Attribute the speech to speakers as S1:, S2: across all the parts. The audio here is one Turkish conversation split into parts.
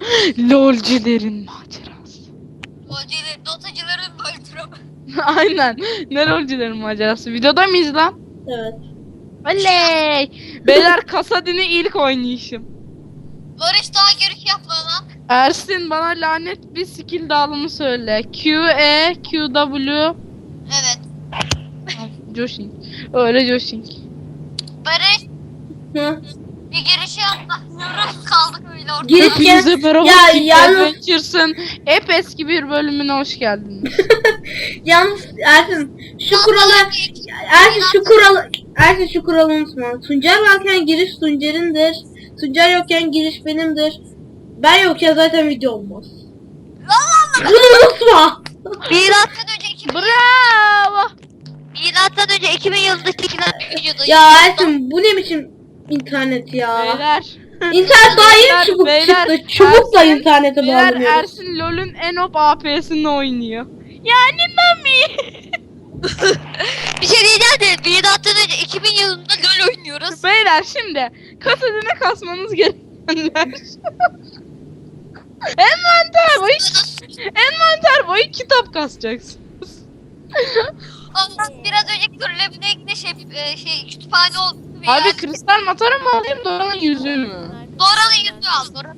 S1: LOL'cülerin macerası.
S2: LOL'cülerin, dotacıların böltürü.
S1: Aynen. Ne LOL'cülerin macerası? Videoda mıyız lan?
S3: Evet.
S1: Oley! Beyler Kasadin'i ilk oynayışım.
S2: Barış daha görüş yapma lan.
S1: Ersin bana lanet bir skill dağılımı söyle. Q, E, Q, W.
S2: Evet.
S1: Joshing. Öyle Joshing.
S2: Barış
S3: Hı.
S2: bir girişi yapmıyoruz. Kaldık öyle ortada.
S3: Giriş-
S1: Hepinize merhaba.
S3: Ya,
S1: Kick
S3: yalnız-
S1: Adventures'ın hep eski bir bölümüne hoş geldiniz.
S3: Yalnız Ersin şu kuralı unutma. Tuncer varken giriş Tuncer'indir. Tuncer yokken giriş benimdir. Ben yokken zaten video olmaz. Bunu unutma.
S2: Milattan önce 2000
S1: Bravo.
S2: Milattan önce 2000 yılında çekilen videoda.
S3: Ya Ersin bu ne biçim internet ya?
S1: Beyler.
S3: İnternet daha
S1: Beyler,
S3: yeni çubuk
S1: beyler,
S3: çıktı. Çubukla
S1: Ersin-
S3: internete
S1: Beyler
S3: bağlanıyoruz.
S1: Ersin LoL'ün en op AP'sini oynuyor. Yani Nami.
S2: Bir şey diyeceğim de milattan önce 2000 yılında LoL oynuyoruz.
S1: Beyler şimdi Kasadin'e kasmanız gerekenler. Envanter boyu kitap kasacaksınız.
S2: Ondan biraz önceki turlemine kütüphane oldu.
S1: Abi kristal matara mı alayım Dora'nın yüzüğü mü?
S2: Dora'nın yüzüğü al Dora.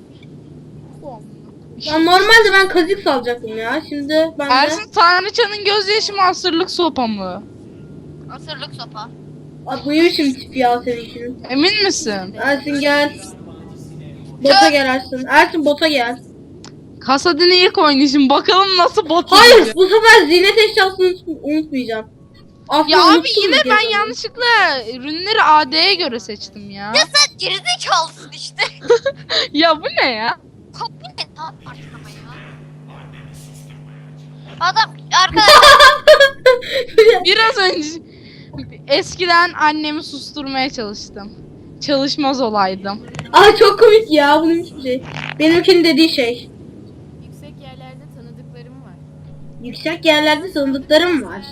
S3: Ya normalde ben kazık salacaktım ya. Şimdi ben de...
S1: Ersin Tanrıçanın gözyaşı mı asırlık sopa mı?
S2: Asırlık sopa.
S3: Abi bu ne biçim tip ya seninkinin?
S1: Emin misin?
S3: Ersin gel. Bota gel Ersin. Ersin bota gel.
S1: Kasadin'i ilk oynayışım bakalım nasıl bot
S3: Hayır
S1: yiyecek.
S3: bu sefer ziynet eşyasını unutmayacağım. Aslında
S1: Ya abi
S3: unuttum
S1: yine
S3: bir
S1: ben
S3: kez onu.
S1: yanlışlıkla ürünleri AD'ye göre seçtim ya.
S2: Ya sen gerizekalısın işte.
S1: Ya bu ne ya?
S2: Kopya ne lan arkama ya? Adam arkadaşlar
S1: Biraz önce eskiden annemi susturmaya çalıştım. Çalışmaz olaydım.
S3: Aa çok komik ya bunun hiçbir şey. Benimkinin dediği şey.
S4: Yüksek yerlerde tanıdıklarım var.
S3: Yüksek yerlerde tanıdıklarım var.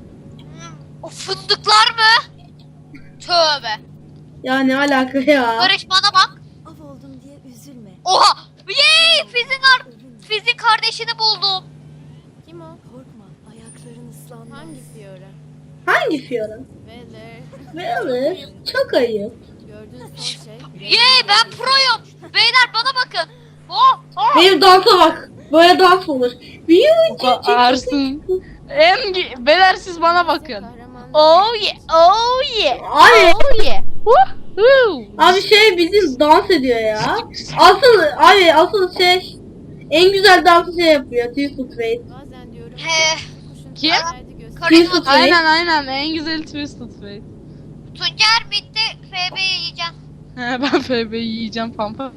S2: o fındıklar mı? Tövbe.
S3: Ya ne alaka ya?
S2: Barış bana bak.
S4: Av oldum diye üzülme.
S2: Oha! Yey! Fizin kardeşini buldum.
S4: Kim o? Korkma. Ayakların ıslanmaz. Hangi Fiora?
S3: Hangi Fiora?
S4: Veler.
S3: Velir. Çok ayıp.
S4: Gördüğün son şey.
S2: Yey ben proyum. Beyler bana bakın. Oh! Oh!
S3: Benim dansa bak. Böyle dans olur.
S1: Ersin. Beyler siz bana bakın.
S4: Kahraman.
S1: Oh yeah, oh yeah,
S3: Abi,
S1: oh yeah. Woohoo.
S3: abi şey bizim dans ediyor ya. Asıl şey en güzel dansı şey yapıyor. Twisted Fate.
S4: Bazen diyorum.
S2: He.
S4: Kuşun
S1: Kim?
S4: derdi göster.
S2: Karın
S3: Twisted Fate.
S1: Aynen en güzel Twisted Fate.
S2: Tuncer bitti. FB'yi yiyeceğim.
S1: He, ben FB'yi yiyeceğim pampa.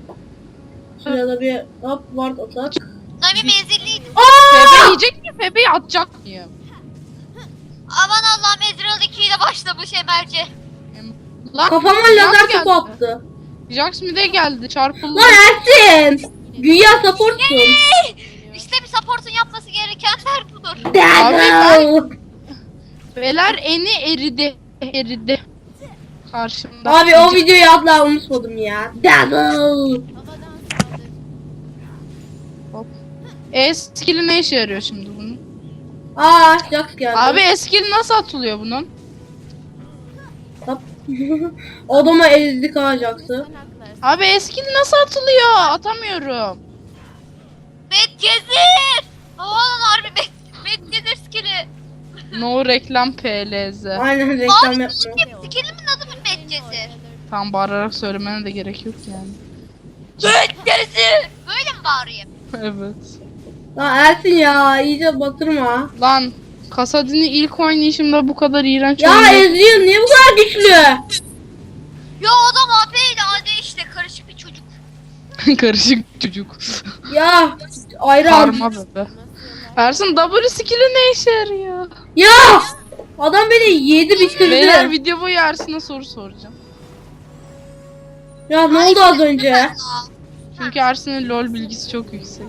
S3: Şurada bir hop ward atak.
S2: Nami menzilliydi.
S1: FB yiyecek mi? FB'yi atacak mıyım?
S2: Aman Allah'ım Ezreal 2 ile başlamış Emelce.
S1: Lan
S3: Kafama
S1: Jax
S3: lazer
S1: geldi.
S3: topu attı.
S1: Jax mi de geldi çarpıldı.
S3: Lan Ersin! Güya supportsun.
S2: İşte bir support'un yapması gerekenler budur.
S3: Dazzle!
S1: Beyler eni eridi. Karşımda.
S3: Abi o videoyu asla unutmadım ya. Dazzle!
S4: Havadan saldır.
S1: Hop. Skill ne işe yarıyor şimdi bunun?
S3: Aa Jax geldi.
S1: Abi skill nasıl atılıyor bunun?
S3: Hop. Odama ezdik ha Jax'ı.
S4: Sen haklarsın.
S1: Abi skill nasıl atılıyor? Atamıyorum.
S2: Medcezir! Aman harbi Medcezir skill'i.
S1: No reklam PLZ.
S3: Aynen reklam
S2: Abi
S3: yapma.
S2: skill'imin adı mı Medcezir?
S1: Tam bağırarak söylemene de gerek yok yani.
S2: Medcezir! Böyle mi bağırayım?
S1: Evet.
S3: Lan Ersin ya iyice batırma.
S1: Lan Kasadin'i ilk oynayışımda bu kadar iğrenç
S3: Ya
S1: oynadım.
S3: Ezreal niye bu kadar güçlü?
S2: Ya adam AP ile AD işte karışık bir çocuk.
S1: Karışık çocuk.
S3: Ya ayran.
S1: Karma bebe. Ersin W skill'i ne işe yarıyor?
S3: Ya adam beni yedi bitirdi.
S1: Beyler video boyu Ersin'e soru soracağım.
S3: Ya ne oldu az önce?
S1: Çünkü Ersin'in LoL bilgisi çok yüksek.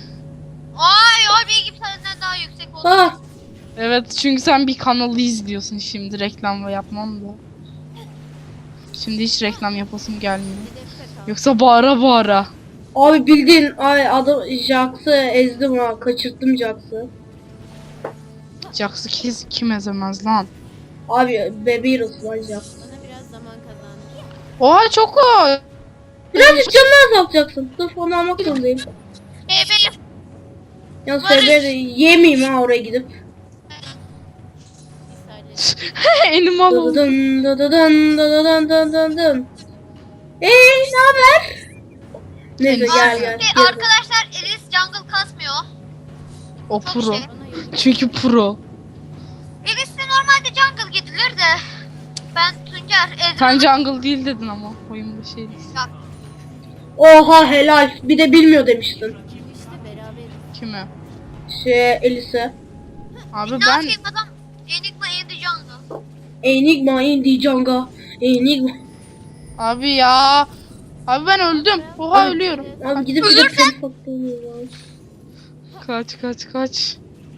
S2: Ay bilgim senden daha yüksek oldu.
S3: Ha
S1: Evet çünkü sen bir kanalı izliyorsun şimdi reklam yapmam da. Şimdi hiç reklam yapasım gelmiyor.
S4: Hedefte kal.
S1: Yoksa bağıra bağıra.
S3: Abi bildiğin adam Jax'ı ezdim ha. Kaçırttım Jax'ı.
S1: Jax'ı kim ezemez lan?
S3: Abi Bebeğirus var Jax.
S4: Bana biraz zaman kazandır.
S1: Oha çok o.
S3: Birazcık canını azaltacaksın. Dur onu almak zorundayım.
S2: Bebeğim.
S3: Yalnız
S2: Barış.
S3: Bebeği yemeyeyim ha oraya gidip.
S4: Bir saniye.
S1: Elim al oldu.
S3: Dın dın dın dın dın dın dın dın. Ne haber? Neyse gel gel.
S2: Şimdi
S3: gel.
S2: arkadaşlar Elis jungle kasmıyor.
S1: O
S2: Çok
S1: pro.
S2: şey.
S4: Bana yolu
S1: Çünkü pro.
S2: Elis'te normalde jungle gidilir de. Ben Tuncer
S1: Sen
S2: Ezreal
S1: jungle değil dedin ama oyunda şey değil.
S3: Oha helal. Bir de bilmiyor demiştin.
S4: işte beraberiz.
S1: Kime?
S3: Elise.
S1: Abi
S2: ne
S1: ben
S2: yapayım adam Enigma indi jungle.
S3: Enigma indi Janga. Enigma.
S1: abi ya. Abi ben öldüm. Oha
S3: Abi-
S1: ölüyorum.
S3: Abi gidip bir de seni patlamıyor.
S1: Kaç.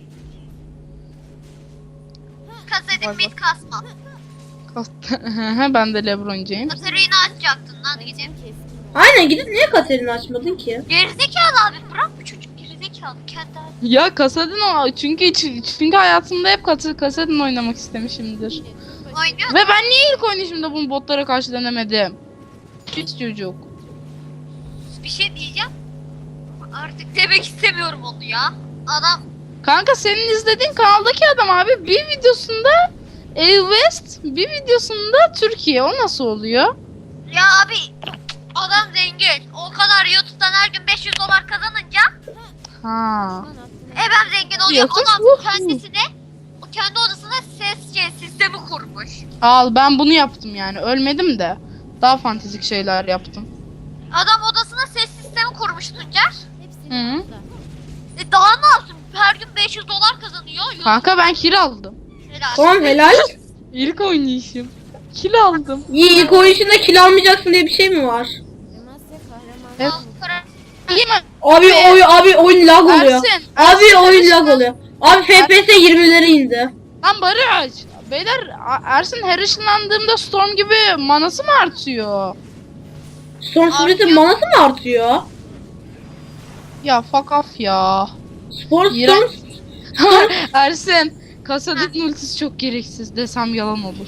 S2: Kasedim mid kasma.
S1: Ben de LeBron James.
S2: Katarina açacaktın lan gidip.
S4: Keskin.
S3: Aynen gidip niye Katerina açmadın ki?
S2: Gerizekalı abi bırak bu çocuk gerizekalı kendi abi.
S1: Ya Kasadin o çünkü hayatımda hep Kasadin oynamak istemişimdir.
S2: Oynuyor.
S1: Ve ben niye ilk oynayışımda bunu botlara karşı denemedim? Hiç çocuk.
S2: Bir şey diyeceğim. Artık demek istemiyorum onu ya. Adam
S1: Kanka senin izlediğin kanaldaki adam abi bir videosunda West, bir videosunda Türkiye. O nasıl oluyor?
S2: ya abi adam zengin. O kadar YouTube'dan her gün 500 dolar kazanınca
S1: Ha.
S2: ben zengin oluyor.
S1: Yakın
S2: Adam
S1: bu.
S2: kendisine o kendi odasına ses sistemi kurmuş.
S1: Al ben bunu yaptım yani. Ölmedim de. Daha fantastik şeyler yaptım.
S2: Adam odasına ses sistemi kurmuş Tuncer.
S4: Hepsini
S1: Hı.
S4: topla.
S2: Daha ne yapsın? Her gün 500 dolar kazanıyor.
S1: Kanka ben kill aldım.
S2: Helal.
S3: Tamam helal.
S1: İlk oynayışım. Kill aldım.
S3: İyi ilk oyununda kill almayacaksın diye bir şey mi var?
S4: Demasya kahraman.
S1: Evet.
S2: Al, para-
S1: Yeme.
S3: Abi oyun lag oluyor.
S1: Ersin.
S3: Abi oyun lag oluyor. Abi FPS 20'lere indi.
S1: Lan Barış. Beyler Ersin her ışınlandığımda Storm gibi manası mı artıyor?
S3: Storm Spirit'in manası mı artıyor?
S1: Ya fuck off ya.
S3: Storm
S1: İğrenç. Ersin. Kasadin ultisi çok gereksiz desem yalan olur.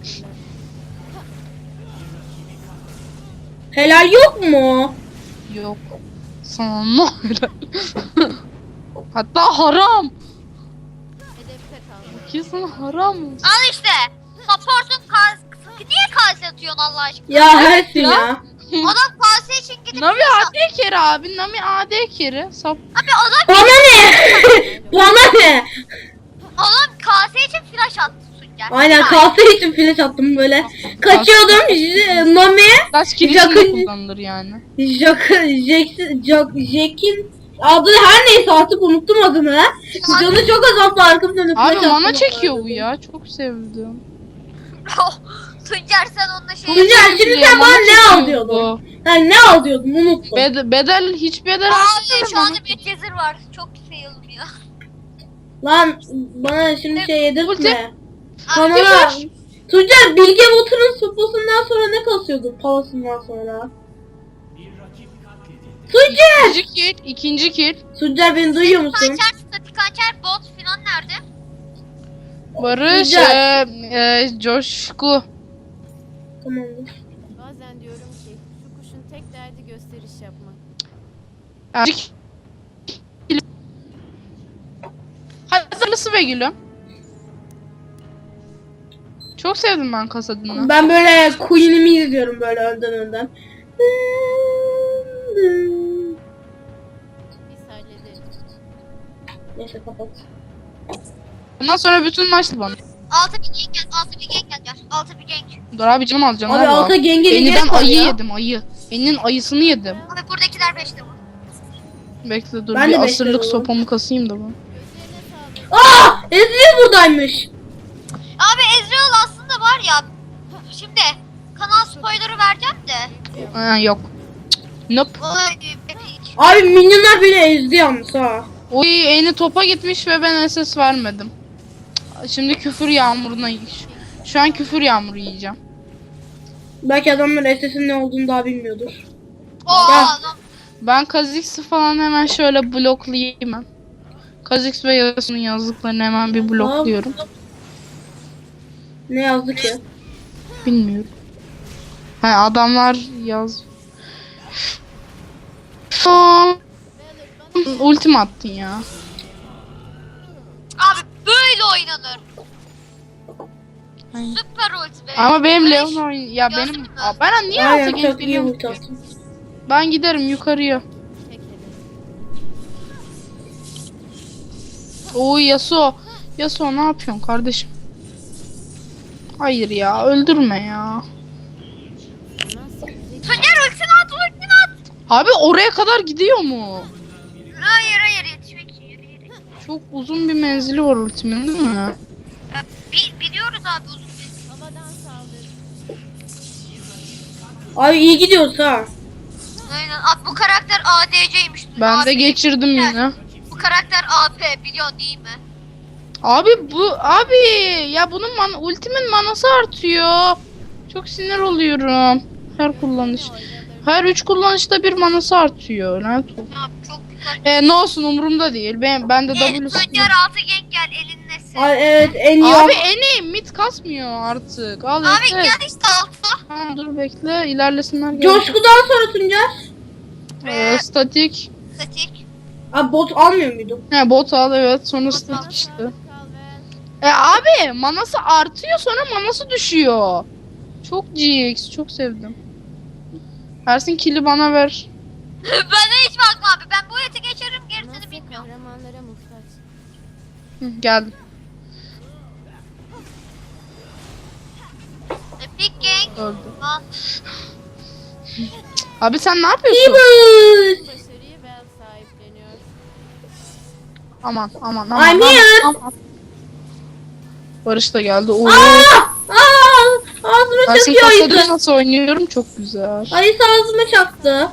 S3: helal yok mu?
S1: Yok. Sana ne öyle? Hatta haram.
S4: Hedefte kal.
S1: Ki sana haram olsun.
S2: Al işte. Support'un niye kalse atıyorsun Allah aşkına?
S3: Ya Ersin ya.
S2: Adam kalse için gidip
S1: Nami
S2: flash
S1: AD kere abi. Nami AD kere. Sap.
S2: Abi adam
S3: Bana ne? Bana ne?
S2: kase için flash attı Tuncer.
S3: Aynen
S2: Helal.
S3: kalsa için flash attım böyle. Kaçıyordum Nami.
S1: Kaç kilişini
S3: Yakın-
S1: kullanılır yani.
S3: Jack'in adı her neyse artık unuttum adını. Canı çok azalttı arkamı dönüp.
S1: Abi
S3: flash
S1: mana
S3: attım.
S1: çekiyor bu ya. Çok sevdim.
S2: Tuncer sen onunla şey
S3: Tuncer şimdi sen
S1: Mana
S3: bana ne
S1: çekiyor
S3: al diyordun?
S1: bu.
S3: Yani ne al diyordun unuttum.
S1: Hiç bedel
S2: Abi
S1: artırmıyor
S2: şu
S1: bana.
S2: anda bir cezir var. Çok sayılmıyor.
S3: Lan bana şimdi şey yedirtme.
S1: Ulti.
S3: Kamera. Tuncer Bilge Water'ın soposundan sonra ne kasıyordu palasından sonra? Tuncer!
S1: İkinci kill.
S3: Tuncer beni duyuyor musun?
S2: Kançer, statik kançer, bot filan nerede?
S1: Barış,
S3: Güzel.
S1: Coşku.
S3: Tamamdır.
S4: Bazen diyorum ki şu kuşun tek derdi gösteriş yapmak.
S1: Hazırlısı ve gülüm. Çok sevdim ben Kasadin'i.
S3: Ben böyle Queen'imi izliyorum böyle önden.
S4: Biz hallederiz.
S3: Neyse kapat.
S1: Ondan sonra bütün maçtı bana.
S2: 6 bir gank gel, 6 bir gank gel. 6 bir gank.
S1: Dur abi canım alacağım.
S3: Abi alta genge
S1: Eniden ayı yedim ayı. Eninin ayısını yedim.
S2: Abi buradakiler 5'te bu.
S1: Bekle dur
S3: Ben
S1: bir
S3: de
S1: asırlık
S3: bekliyorum.
S1: sopamı kasayım da bu.
S4: Gözlerine sağlık.
S3: Aa! Ezreal buradaymış.
S2: Abi Ezreal aslında var ya. Şimdi kanal spoiler'ı vereceğim de.
S1: Yok. Nope.
S2: Vay, hiç.
S3: Abi minyonlar beni ezdi yalnız ha.
S1: Oy eni topa gitmiş ve ben SS vermedim. Şimdi küfür yağmuruna şu an küfür yağmuru yiyeceğim.
S3: Belki adamlar SS'in ne olduğunu daha bilmiyordur.
S2: O
S1: Ya.
S2: adam.
S1: Ben Kha'Zix'i falan hemen şöyle bloklayayım ben. Kha'Zix ve Yasuo'nun yazdıklarını hemen bir blokluyorum.
S3: Ne yazdı ki?
S1: Bilmiyorum. Ha, adamlar yaz. Ultim attın ya.
S2: Abi böyle oynanır.
S1: Aynen.
S2: Süper ulti be.
S1: Ama benim
S2: Böyle
S1: Leon oyun ya
S2: Gördün
S1: benim
S2: mü?
S1: ben niye
S3: Aynen
S1: alta
S3: çok iyi
S1: geliyorum?
S3: ulti attın.
S1: Ben giderim yukarıya.
S4: Tek hedef.
S1: Oy Yasuo. Yasuo ne yapıyorsun kardeşim? Hayır ya öldürme ya.
S4: Nasıl zeki?
S2: Tuncer ultini at, ultini at.
S1: Abi oraya kadar gidiyor mu?
S2: Hayır yetişmek için yürü.
S1: Çok uzun bir menzili var ultimin değil mi?
S2: Ya, biliyoruz abi uzun bir.
S4: Havadan saldır.
S3: Abi iyi gidiyoruz ha.
S2: Aynen. Abi bu karakter ADC'ymiş.
S1: Ben
S2: Abi,
S1: de geçirdim yine.
S2: Bu karakter AP biliyorsun değil mi?
S1: Abi ya bunun ultimin manası artıyor. Çok sinir oluyorum. Her kullanış. Her 3 kullanışta bir manası artıyor. Lanet olsun.
S2: Ya çok güzel.
S1: Ne olsun umurumda değil. Ben de W
S2: Tuncer altı genk gel elinle sen.
S3: Ay evet en iyi.
S1: Abi mid kasmıyor artık. Al
S2: Abi
S1: bekle.
S2: gel işte alta.
S1: Tamam dur bekle. İlerlesinler. gel.
S3: Coşkudan sonra Tuncer.
S1: Statik.
S2: Statik.
S3: Abi bot almıyor muydun?
S1: He bot al evet. Sonra statik işte. Abi manası artıyor sonra manası düşüyor. Çok GX. Çok sevdim. Ersin kill'i bana ver.
S2: Bana hiç bakma abi. Ben bu eti geçerim gerisini
S4: Nasıl
S2: bilmiyorum.
S4: kahramanlara muhtaç.
S1: Hı, geldim.
S2: Epic Gang.
S1: Öldü.
S2: Lan.
S1: Abi sen ne yapıyorsun?
S3: Bıs.
S4: Başarıyı ben sahipleniyor.
S1: Aman.
S3: I'm here.
S1: aman. Barış da geldi. Oo.
S3: Ağzıma
S1: Ersin
S3: çakıyor
S1: kasada
S3: ayısı.
S1: nasıl oynuyorum? Çok güzel.
S3: Ayısı ağzıma çaktı.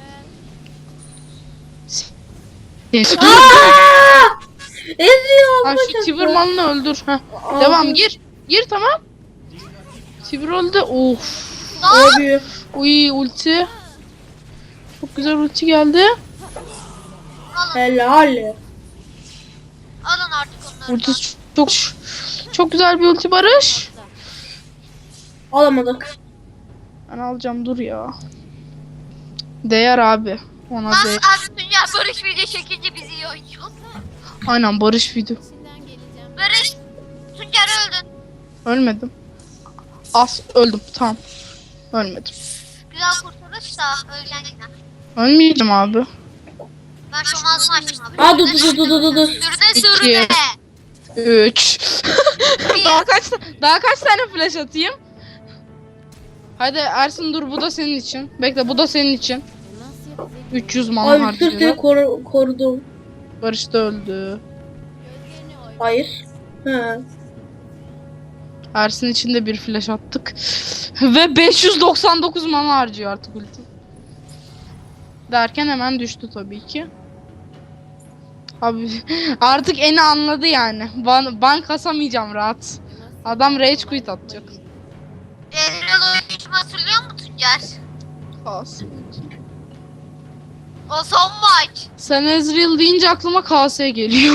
S3: Eziyor
S1: Ha
S3: ağzıma
S1: şu
S3: çaktı.
S1: Tiberman'ı öldür. Heh.
S3: Aa,
S1: Devam gir. Gir tamam. Tiber öldü. Of.
S3: Abi.
S1: Uy ulti. Çok güzel ulti geldi.
S2: Alın.
S3: Helal.
S2: Alın artık onları.
S1: Ulti çok güzel bir ulti Barış.
S3: Alamadık.
S1: Ben alacağım dur ya. Değer abi. Ona
S2: Lan
S1: değer.
S2: abi Tuncer Barış video çekince bizi iyi oynuyor.
S1: Aynen Barış video.
S4: İçinden geleceğim.
S2: Barış. Tuncer öldün.
S1: Ölmedim. Öldüm tamam. Ölmedim.
S2: Güzel kurtuluş da öleceksin yine.
S1: Ölmeyeceğim abi.
S2: Ben şu ağzımı açtım abi.
S3: Aa dur.
S2: Sürüne.
S1: 3 daha kaç tane flash atayım? Hadi Ersin dur bu da senin için. Bekle bu da senin için.
S4: Nasıl zeki?
S1: 300 mana
S3: Abi sırf seni
S1: harcıyor.
S3: korudum.
S1: Barış da öldü.
S4: Gözlerini oy.
S3: Hayır. He.
S1: Ersin için de bir flash attık. Ve 599 mana harcıyor artık ulti. Derken hemen düştü tabii ki. Abi artık eni anladı yani. Ban kasamayacağım rahat. Adam rage quit atacak.
S2: Ezreal oyuncumu hatırlıyor musun Tuncer?
S1: KS.
S2: O son maç.
S1: Sen Ezreal deyince aklıma KS geliyor.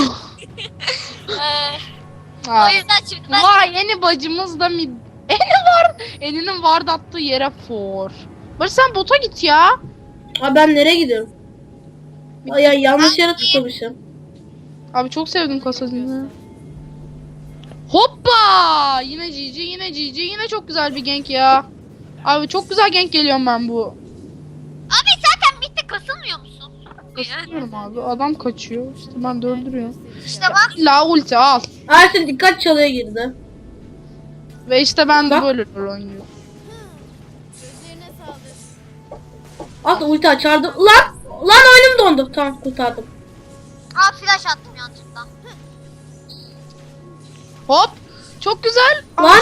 S2: O
S1: Ha.
S2: yüzden şimdi ben
S1: Vay eni bacımız da mid. Eni var. Eninin ward attığı yere for. Barış sen bota git ya.
S3: Abi ben nereye gidiyorum? Ay ya yanlış yere tıklamışım.
S1: Abi çok sevdim kasasını. Hoppa! Yine GG, yine GG, yine çok güzel bir gank ya. Abi çok güzel gank geliyorum ben bu.
S2: Abi zaten midde kasılmıyor musun?
S1: Kasıyorum abi. Adam kaçıyor. İşte ben de öldürüyorum.
S2: İşte bak.
S1: La ulti al.
S3: Ersin dikkat çalıya girdi.
S1: Ve işte ben de
S3: Bak.
S1: böyle rol oynuyorum.
S4: Gözlerine saldır.
S3: At ulti açardım. Lan oyunum dondu. Tamam kurtardım.
S2: Aa flash attım yanlışlıkla.
S1: Hop! Çok güzel.
S3: Lan.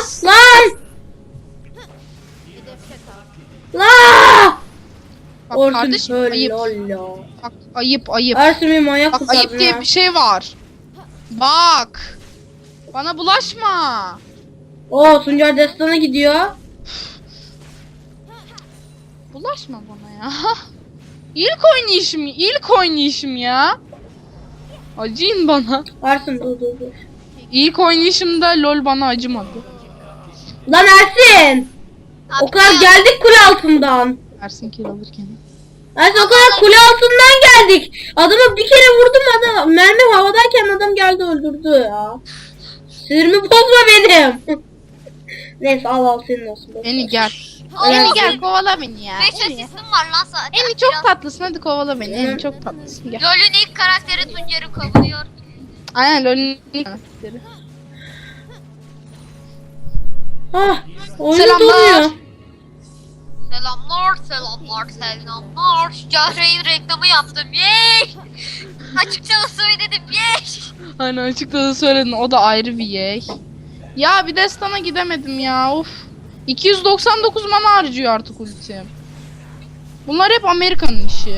S4: Hedefte kal.
S1: Bak
S3: Orsun
S1: kardeşim ayıp.
S3: lolo.
S1: Bak ayıp.
S3: Ersin benim manyak
S1: Bak
S3: kurtardın
S1: ayıp diye
S3: ha.
S1: bir şey var. Bak. Bana bulaşma.
S3: Oo Tuncer Destan'a gidiyor.
S1: Bulaşma bana ya. İlk oynayışım ya. Acıyın bana.
S3: Varsın dur.
S1: İlk oynayışımda LOL bana acımadı.
S3: Lan Ersin. O kadar geldik kule altından.
S1: Ersin kill alırken.
S3: Ersin o kadar kule altından geldik. Adamı bir kere vurdum adam. Mermi havadayken adam geldi öldürdü ya. Sinirimi bozma benim. Neyse al senin olsun.
S1: Eni gel.
S2: Aa,
S1: Eni gel kovala beni ya.
S2: 5
S1: Eni.
S2: asistim var lan zaten.
S1: Eni çok tatlısın, hadi kovala beni. Eni çok tatlısın, gel.
S2: LoL'ün ilk karakteri Tuncer'i kovuyor.
S1: Aynen LOL'ün ilk karakteri.
S3: Ah, oyun
S1: Selamlar.
S3: donuyor.
S2: Selamlar. Cahre'nin reklamı yaptım. Yey! Açıkça da söyledim. Yey!
S1: Hani açıkça da söyledin, o da ayrı bir yey. Ya bir destana gidemedim ya, of. 299 mana harcıyor artık ultim. Bunlar hep Amerika'nın işi.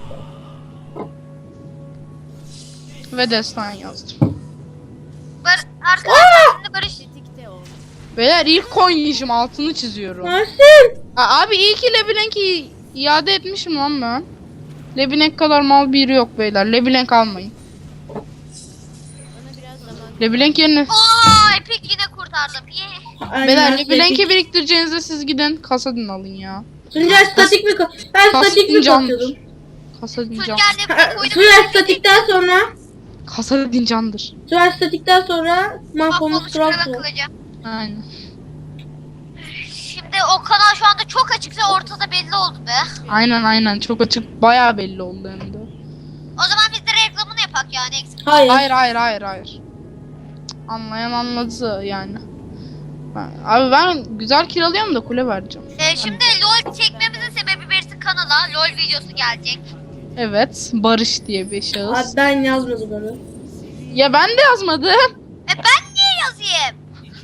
S1: Ve destan yazdım.
S2: Arkadaşlar şimdi Barış.
S4: Tetikte ol.
S1: Beyler ilk oynayışım, altını çiziyorum.
S3: Ersin.
S1: Abi iyi ki LeBlanc'i iade etmişim lan ben. LeBlanc kadar mal biri yok beyler. LeBlanc almayın.
S4: Bana biraz zaman
S1: LeBlanc yerine...
S2: Ooo Epic yine kurtardım. Yey!
S3: Aynen,
S1: Beyler
S3: Ersin.
S1: LeBlanc'i biriktireceğinize siz gidin Kasadin alın ya.
S3: Tuncay statik mi? Ben statik mi
S1: Kasıncan.
S3: kasıyordum?
S1: Kasadin can.
S2: Tuncer ne koydum?
S3: Tuncay statikten sonra
S1: Kasadin candır.
S3: Tuncay statikten sonra mahvolmuş
S2: Mahvolmuş
S3: kral
S2: krala
S3: kral.
S2: kılacağım.
S1: Aynen.
S2: Şimdi o kanal şu anda çok açıkça ortada belli oldu be.
S1: Aynen çok açık, bayağı belli oldu hem de.
S2: O zaman biz de reklamını yapak yani eksik.
S3: Hayır.
S1: Hayır. Cık, anlayan anladı yani. Abi ben güzel kiralıyorum da kule vereceğim.
S2: Şimdi LoL çekmemizin sebebi birisi kanala LoL videosu gelecek.
S1: Evet, Barış diye bir
S3: Abi
S1: şahıs.
S3: ben yazmadım onu.
S1: Ya ben de yazmadım.
S2: Ben niye yazayım?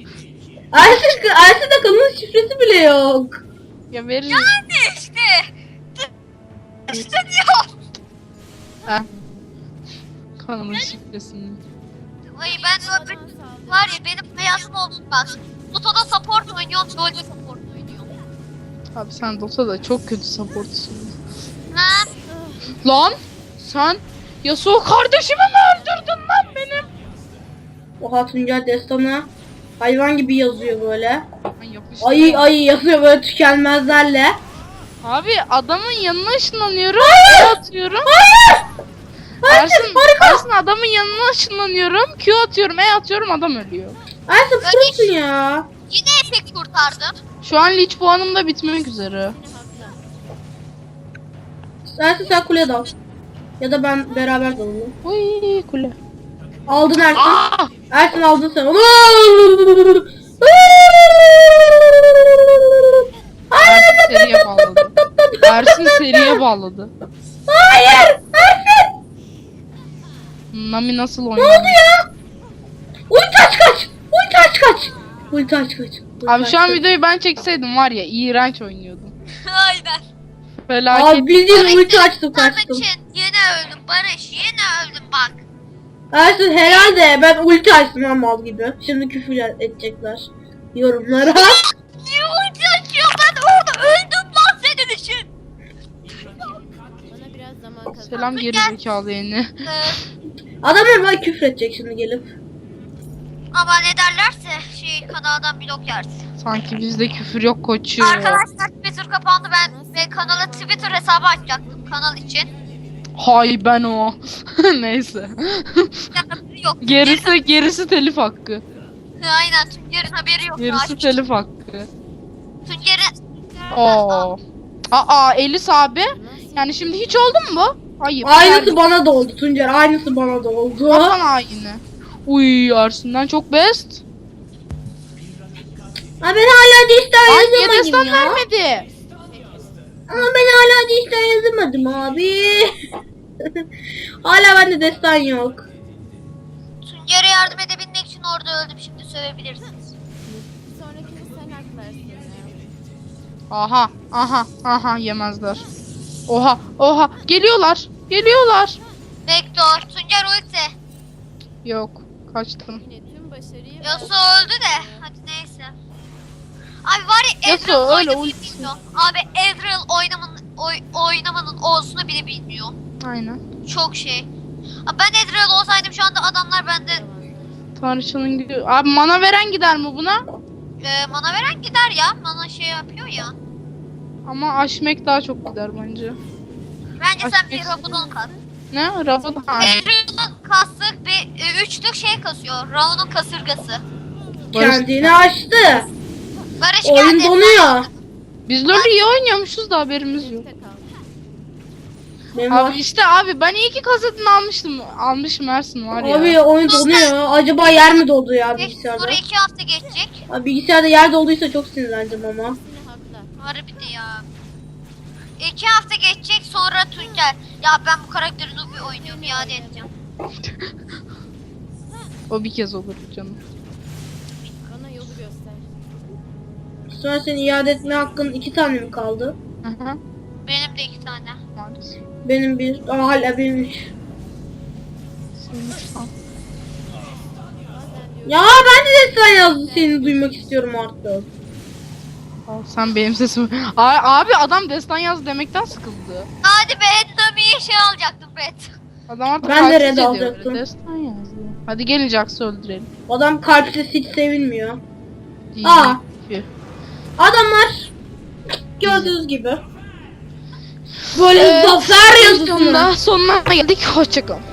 S3: Ersin de kanalın şifresi bile yok.
S1: Ya veririm.
S2: Yani işte. İşte diyor.
S1: Ha. Kanalın şifresini.
S2: Ay ben öbür var ya benim hayatım olsun bak. Dota'da support oynuyorum, LoL'de support oynuyorum.
S1: Abi sen Dota'da çok kötü supportsun.
S2: Ha?
S1: Lan sen Yasuo kardeşimi mi öldürdün lan benim?
S3: Oha Tuncay destana hayvan gibi yazıyor böyle.
S1: Ben yapıştım.
S3: Ayı yazıyor böyle tükenmezlerle.
S1: Abi adamın yanına ışınlanıyorum.
S3: Hayır!
S1: Q atıyorum.
S3: Hayır!
S1: Ersin adamın yanına ışınlanıyorum. Q atıyorum, E atıyorum, adam ölüyor.
S3: Ersin prosun ya.
S2: Yine Epic kurtardım.
S1: Şu an Lich puanım da bitmek üzere.
S3: Ersin sen kule dal. Ya da ben beraber dalalım.
S1: Uy kule.
S3: Aldın Ersin.
S1: Aa!
S3: Ersin aldın sen onu.
S1: Ersin seriye bağladı. Ersin seriye bağladı.
S3: Hayır! Ersin!
S1: Nami nasıl
S3: Ne
S1: oynuyor?
S3: oldu ya? Ulti aç kaç! Ulti aç kaç! Ulti aç kaç!
S1: Abi şu an videoyu ben çekseydim var ya, iğrenç oynuyordum.
S2: Aynen.
S1: Felaket.
S3: Abi bildiğin ulti açtım
S2: Kurtarmak
S3: kaçtım.
S2: için yine öldüm Barış, yine öldüm bak.
S3: Ersin herhalde ben ulti açtım ha mal gibi. Şimdi küfür edecekler yorumlara.
S2: Niye ulti açıyor? Ben orada öldüm lan senin için.
S4: Bana biraz zaman kazan.
S1: Selam geri zekalı yeni.
S3: Adamlar bana küfür edecek şimdi gelip.
S2: Ama ne derlerse kanaldan blok yersin.
S1: Sanki bizde küfür yok koçum.
S2: Arkadaşlar Twitter kapandı, ben kanala Twitter hesabı açacaktım kanal için.
S1: Hay ben o. Neyse.
S2: Yok.
S1: Gerisi telif hakkı.
S2: Aynen Tuncer'in haberi yok.
S1: Gerisi telif hakkı.
S2: Tuncer'in...
S1: Oo. Aa Elis abi. Yani şimdi hiç oldu mu bu? Hayır.
S3: Aynısı bana da oldu Tuncer. Aynısı bana da oldu.
S1: Vatan haini. Uy Ersin'den çok best.
S3: Ha ben hala dişten
S1: Ay niye destan
S3: yazamadım ya.
S1: vermedi?
S3: Ama ben hala dişten yazamadım abi. Hala bende destan yok.
S2: Tuncer'e yardım edebilmek için orada öldüm, şimdi sövebilirsiniz.
S4: Bir sonrakini sen aklarsın ya.
S1: Aha yemezler. Oha geliyorlar.
S2: Vektor, Tuncer ulti.
S1: Yok kaçtım.
S4: Yine tüm başarıyı
S2: Yasuo öldü de, hadi neyse. Abi var ya
S1: Yasuo
S2: Ezreal
S1: öyle
S2: oynamayı
S1: ultisi.
S2: bilmiyor. Abi Ezreal oynamanın olsunu bile bilmiyor.
S1: Aynen.
S2: Çok şey. Abi ben Ezreal olsaydım şu anda adamlar bende
S1: Tanrıçanın gidiyor. Abi mana veren gider mi buna?
S2: mana veren gider ya. Mana şey yapıyor ya.
S1: Ama aşmek daha çok gider bence.
S2: Bence sen bir
S1: Aşmek-
S2: Rabudon kas.
S1: Ne? Rabot ha.
S2: Ezreal'ın kastık bir üçlük şey kasıyor. Raun'un kasırgası.
S3: Kendini açtı.
S2: Barış
S3: Oyun
S2: geldi.
S3: donuyor.
S1: Biz LoL'ü iyi oynuyormuşuz da haberimiz yok.
S3: Benim
S1: Abi işte abi ben iyi ki kasetini almışım Ersin var ya.
S3: Abi oyun donuyor. Acaba yer mi doldu ya bilgisayarda?
S2: Sonra 2 hafta geçecek.
S3: Abi bilgisayarda yer dolduysa çok sinirlendim ama.
S2: Harbiden ya. 2 hafta geçecek sonra Tuncer. Ya ben bu karakteri Nubi oynuyorum iade edeceğim.
S1: O bir kez olur canım.
S4: Bana yolu göster.
S3: Sonra senin iade etme hakkın 2 tane mi kaldı?
S1: Aha.
S2: Benim de 2 tane.
S1: Maalesef.
S3: Benim bir. Aa, hala benim 3.
S1: Senin şu an.
S3: Ya ben de destan yazdı seni duymak istiyorum artık.
S1: Al, sen benim sesimi. Abi adam destan yaz demekten sıkıldı.
S2: Hadi be Nubi'ye şey alacaktım bet.
S1: Adam artık
S3: Ben de
S1: kalpsiz
S3: red
S1: ediyor,
S3: alacaktım.
S1: destan yazdı. Hadi gelin Jax'ı öldürelim.
S3: Adam kalpsiz hiç sevilmiyor.
S1: Değil.
S3: Aa.
S1: Tüh.
S3: Adamlar gördüğünüz gibi böyle zafer yazısını.
S1: Sonunda sonuna geldik. Hoşçakalın.